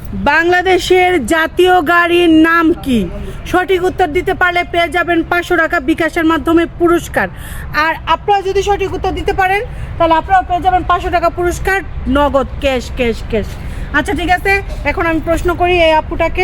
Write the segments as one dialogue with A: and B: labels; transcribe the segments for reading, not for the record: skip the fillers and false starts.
A: বাংলাদেশের জাতীয় গাড়ির নাম কি? সঠিক উত্তর দিতে পারলে পেয়ে যাবেন 500 টাকা বিকাশের মাধ্যমে পুরস্কার। আর আপনারা যদি সঠিক উত্তর দিতে পারেন তাহলে আপনারা পেয়ে যাবেন 500 টাকা পুরস্কার, নগদ ক্যাশ ক্যাশ ক্যাশ। আচ্ছা ঠিক আছে, এখন আমি প্রশ্ন করি এই আপুটাকে।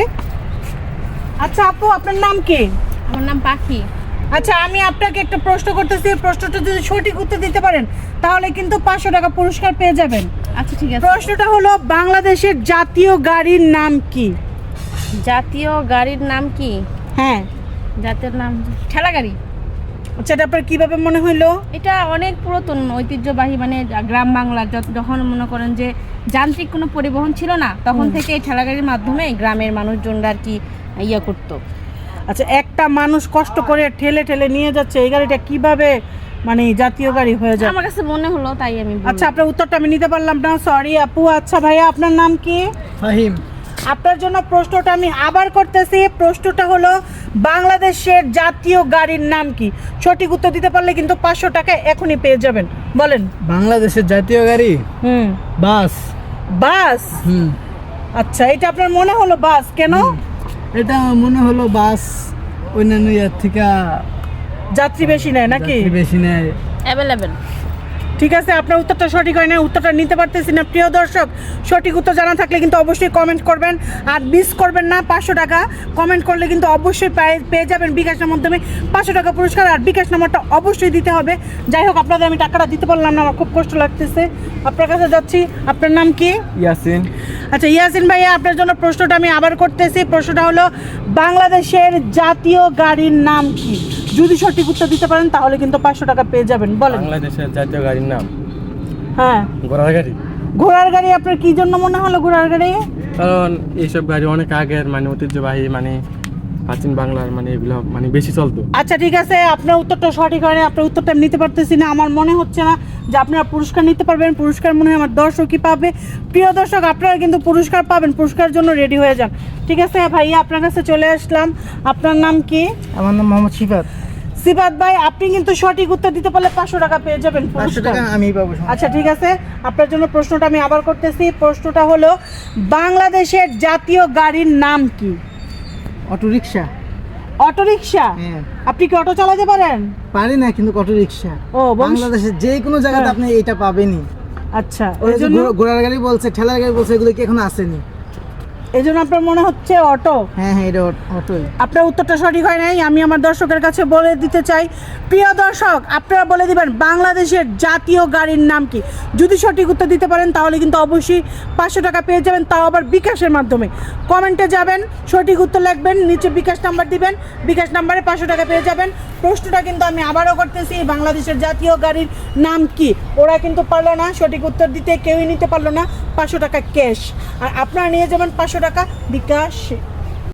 A: আচ্ছা আপু, আপনার নাম কি?
B: আমার নাম পাখি।
A: আচ্ছা, আমি আপনাকে একটা প্রশ্ন করতেছি, প্রশ্নটা যদি সঠিক উত্তর দিতে পারেন তাহলে কিন্তু 500 টাকা পুরস্কার পেয়ে যাবেন।
B: আচ্ছা ঠিক আছে।
A: প্রশ্নটা হলো, বাংলাদেশের জাতীয় গাড়ির নাম কি?
B: জাতীয় গাড়ির নাম কি?
A: হ্যাঁ।
B: জাতীয় নাম ঠেলা গাড়ি।
A: আচ্ছা, এটা আপনার কিভাবে মনে হইলো?
B: এটা অনেক পুরাতন ঐতিহ্যবাহী, মানে গ্রাম বাংলার যখন মনে করেন যে যান্ত্রিক কোনো পরিবহন ছিল না, তখন থেকে এই ঠেলা গাড়ির মাধ্যমে গ্রামের মানুষজনরা আর কি ইয়ে করতো।
A: আচ্ছা, একটা মানুষ কষ্ট করে ঠেলে ঠেলে নিয়ে যাচ্ছে, এই গাড়িটা কিভাবে মানে জাতীয় গাড়ি হয়ে যায়?
B: আমার কাছে মনে হলো, তাই আমি বললাম।
A: আচ্ছা, আপনার উত্তরটা আমি নিতে পারলাম না, সরি আপু। আচ্ছা ভাইয়া, আপনার নাম কি?
C: ফাহিম।
A: আপনার জন্য প্রশ্নটা আমি আবার করতেছি। প্রশ্নটা হলো, বাংলাদেশের জাতীয় গাড়ির নাম কি? সঠিক উত্তর দিতে পারলে কিন্তু 500 টাকা এখনই পেয়ে যাবেন। বলেন।
C: বাংলাদেশের জাতীয় গাড়ি বাস।
A: বাস? আচ্ছা, এটা আপনার মনে হলো বাস, কেন?
C: এটা মনে হলো বাস অন্যান্য ইয়ার থেকে
A: যাত্রী বেশি নেয় নাকি?
C: যাত্রী বেশি নেয়।
B: অ্যাভেলেবেল।
A: ঠিক আছে, আপনার উত্তরটা সঠিক হয় না, উত্তরটা নিতে পারতেছি না। প্রিয় দর্শক, সঠিক উত্তর জানা থাকলে কিন্তু অবশ্যই কমেন্ট করবেন, আর মিস করবেন না। 500 টাকা কমেন্ট করলে কিন্তু অবশ্যই পেয়ে যাবেন বিকাশের মাধ্যমে 500 টাকা পুরস্কার, আর বিকাশ নাম্বারটা অবশ্যই দিতে হবে। যাই হোক, আপনাদের আমি টাকাটা দিতে পারলাম না, আমার খুব কষ্ট লাগতেছে। আপনার কাছে যাচ্ছি। আপনার নাম কি?
C: ইয়াসিন।
A: আচ্ছা ইয়াসিন ভাইয়া, আপনার জন্য প্রশ্নটা আমি আবার করতেছি। প্রশ্নটা হলো, বাংলাদেশের জাতীয় গাড়ির নাম কি? যদি সঠিক উত্তর দিতে পারেন তাহলে কিন্তু 500 টাকা পেয়ে যাবেন। বলেন।
C: বাংলাদেশের জাতীয় গাড়ির নাম
A: হ্যাঁ।
C: ঘোড়ার গাড়ি।
A: ঘোড়ার গাড়ি? আপনার কি জন্য মনে হলো ঘোড়ার গাড়ি?
C: কারণ এইসব গাড়ি অনেক আগের, মানে ঐতিহ্যবাহী, মানে প্রাচীন বাংলার, মানে এগুলো মানে বেশি চলতো।
A: আচ্ছা ঠিক আছে, আপনার উত্তরটা সঠিক হয় না, আপনার উত্তরটা আমি নিতে পারতেছি না। আমার মনে হচ্ছে না যে আপনারা পুরস্কার নিতে পারবেন। পুরস্কার মনে হয় আমার দর্শকই পাবে। প্রিয় দর্শক, আপনারা কিন্তু পুরস্কার পাবেন, পুরস্কারের জন্য রেডি হয়ে যান। ঠিক আছে ভাইয়া, আপনার কাছে চলে আসলাম। আপনার নাম কি?
C: আমার নাম মোহাম্মদ সিফাত।
A: সিফাত ভাই, আপনি কিন্তু সঠিক উত্তর দিতে পারলে 500 টাকা পেয়ে যাবেন
C: 500 টাকা আমি পাবো।
A: আচ্ছা ঠিক আছে, আপনার জন্য প্রশ্নটা আমি আবার করতেছি। প্রশ্নটা হলো, বাংলাদেশের জাতীয় গাড়ির নাম কি?
C: অটোরিকশা।
A: অটোরিকশা?
C: হ্যাঁ।
A: আপনি কি অটো চালাতে পারেন?
C: পারি না, কিন্তু অটোরিকশা
A: ও,
C: বাংলাদেশের যে কোনো জায়গাতে আপনি এটা পাবেনই।
A: আচ্ছা,
C: ওই
A: এই
C: যে
A: জন্য
C: ঘোড়ার গাড়ি বলছে, ঠেলার গাড়ি বলছে, এগুলো কি এখন আসেনি?
A: এই জন্য আপনার মনে হচ্ছে অটো?
C: হ্যাঁ হ্যাঁ, এটা অটোই।
A: আপনার উত্তরটা সঠিক হয় নাই। আমি আমার দর্শকের কাছে বলে দিতে চাই, প্রিয় দর্শক, আপনারা বলে দিবেন বাংলাদেশের জাতীয় গাড়ির নাম কি। যদি সঠিক উত্তর দিতে পারেন তাহলে কিন্তু অবশ্যই 500 টাকা পেয়ে যাবেন, তাও আবার বিকাশের মাধ্যমে। কমেন্টে যাবেন, সঠিক উত্তর লিখবেন, নিচে বিকাশ নাম্বার দিবেন, বিকাশ নাম্বারে 500 টাকা পেয়ে যাবেন। প্রশ্নটা কিন্তু আমি আবারও করতেছি, বাংলাদেশের জাতীয় গাড়ির নাম কি? ওরা কিন্তু পারলো না সঠিক উত্তর দিতে, কেউই নিতে পারলো না 500 টাকা ক্যাশ। আর আপনারা নিয়ে যাবেন 500 টাকা বিকাশ।